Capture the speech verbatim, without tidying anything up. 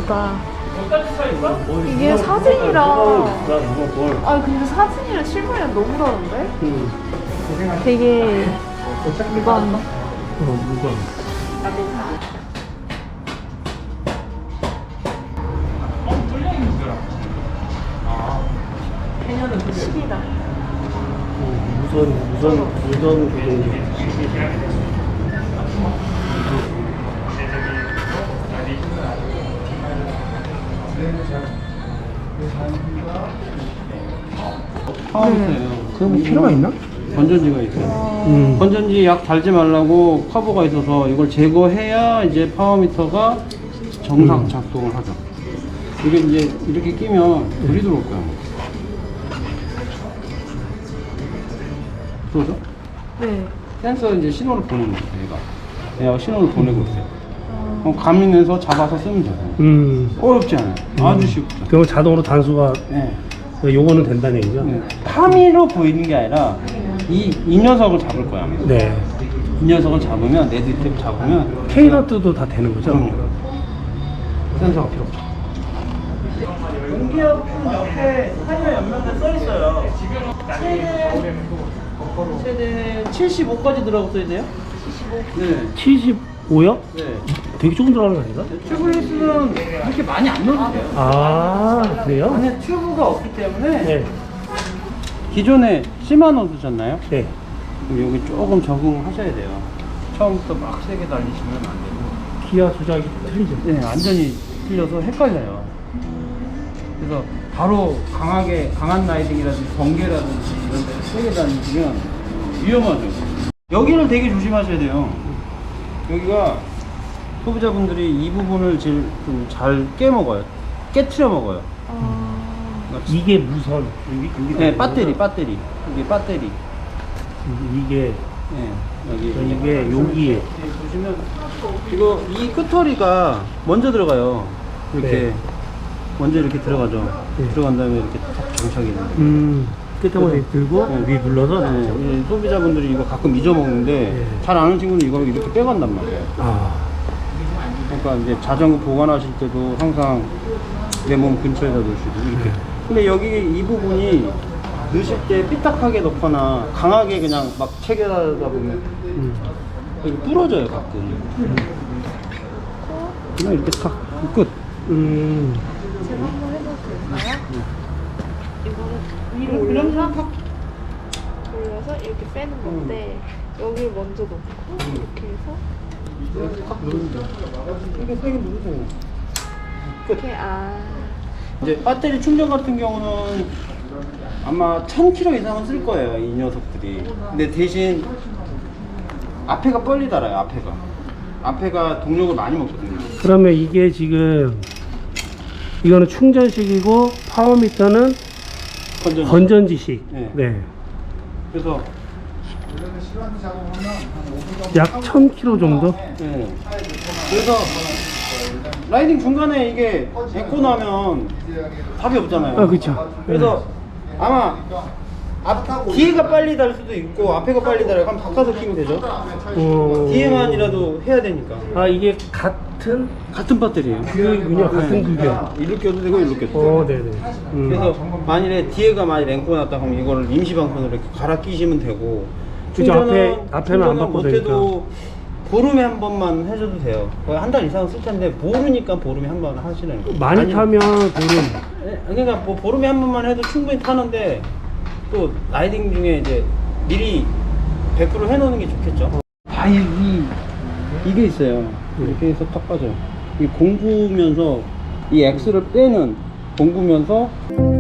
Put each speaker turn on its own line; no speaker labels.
예쁘다. 이게 사진이랑 아 근데 사진이랑 실물이랑 너무 다른데? 되게 무거운
어, 무거워.
시기다.
무선, 무선, 무선 교통기.
파워미터예요.
그럼 필요가 있나?
건전지가 있어요.
음.
건전지 약 달지 말라고 커버가 있어서 이걸 제거해야 이제 파워미터가 정상
음.
작동을 하죠. 이게 이제 이렇게 끼면 불이 들어올 거야. 들어오죠?
네.
센서 이제 신호를 보내는 거예요, 얘가. 얘가 신호를 보내고 있어요. 그럼 감인해서 잡아서 쓰면 돼요.
음.
어렵지 않아요. 아주 쉽죠.
그럼 자동으로 단수가,
네.
요거는 된다는 얘기죠?
네. 파미로 보이는 게 아니라 이, 이 녀석을 잡을 거야.
네.
이 녀석을 잡으면, 네드탭 잡으면
K너트도 다 되는 거죠?
응. 센서가 필요 없죠. 공기압 옆에 타이어 연면에 써 있어요. 최대 최대 칠십오까지 들어가고 써야 돼요? 네.
칠십오요?
네.
되게 조금 들어가는 거 아닌가?
튜브레스는 그렇게 많이 안 넣어도 돼요.
아, 그래요?
안에 튜브가 없기 때문에
네.
기존에 시마노 쓰셨나요?
네.
그럼 여기 조금 적응하셔야 돼요. 처음부터 막 세게 달리시면 안 되고.
기아 조작이 틀리죠?
네, 완전히 틀려서 헷갈려요. 그래서 바로 강하게, 강한 라이딩이라든지 번개라든지 이런 데 세게 다니시면 위험하죠. 여기를 되게 조심하셔야 돼요. 여기가 소비자분들이 이 부분을 제일 좀 잘 깨먹어요. 깨트려 먹어요.
이게 무선. 여기, 여기
네, 배터리, 배터리. 이게 배터리.
이게,
네, 여기.
이게 여기에.
보시면 이거 이 끄터리가 먼저 들어가요. 이렇게
네.
먼저 이렇게 들어가죠.
네.
들어간 다음에 이렇게 탁 정착이 돼요.
음, 끝에만 들고,
네.
위 눌러서.
네, 이 소비자분들이 이거 가끔 잊어먹는데
네.
잘 아는 친구는 이걸 이렇게 빼간단 말이에요.
아,
그러니까 이제 자전거 보관하실 때도 항상 내 몸 근처에다 놓으시고 이렇게. 근데 여기 이 부분이 넣으실 때 삐딱하게 넣거나 강하게 그냥 막 체결하다 보면
음.
여기 부러져요 가끔.
음.
그냥 이렇게 탁 끝.
음.
제가 한번 해봐도 될까요? 이거를 위로 올려서 올려서 이렇게 빼는 건데 여기를 먼저 놓고 이렇게 해서
이렇게 탁 누르면 돼요. 이렇게 세게 누르세요. 끝.
이렇게 아
이제 배터리 충전 같은 경우는 아마 천 킬로미터 이상은 쓸 거예요, 이 녀석들이. 근데 대신 앞에가 빨리 달아요, 앞에가. 앞에가 동력을 많이 먹거든요.
그러면 이게 지금, 이거는 충전식이고, 파워미터는
건전지.
건전지식.
네.
네.
그래서
약 천 킬로미터 정도?
네. 그래서 라이딩 중간에 이게 에코 나면 답이 없잖아요.
아, 그쵸.
그래서 아마 앞, 뒤에가 빨리 달 수도 있고 앞에가 빨리 달아요. 그럼 바꿔서 끼면 되죠.
어...
뒤에만이라도 해야 되니까.
아, 이게 같은
같은 배터리예요.
그군요. 같은 구경.
이렇게 껴도 되고 이렇게 껴도
어,
되고.
네네. 음.
그래서 만일에 뒤에가 많이 랭고 났다 하면 이거를 임시 방편으로 이렇게 갈아 끼시면 되고.
그죠,
충전은-
앞에- 앞에는 안
충전은
바꿔도
못해도 보름에 한 번만 해줘도 돼요. 한 달 이상 쓸 텐데 모르니까 보름에 한 번 하시는 거예요.
많이
아니-
타면 보름.
예, 그러니까 뭐 보름에 한 번만 해도 충분히 타는데 또 라이딩 중에 이제 미리 백 퍼센트 해놓는 게 좋겠죠. 아, 이, 이 이게 있어요. 이렇게 해서 탁 빠져요. 이 공구면서 이 X를 빼는 공구면서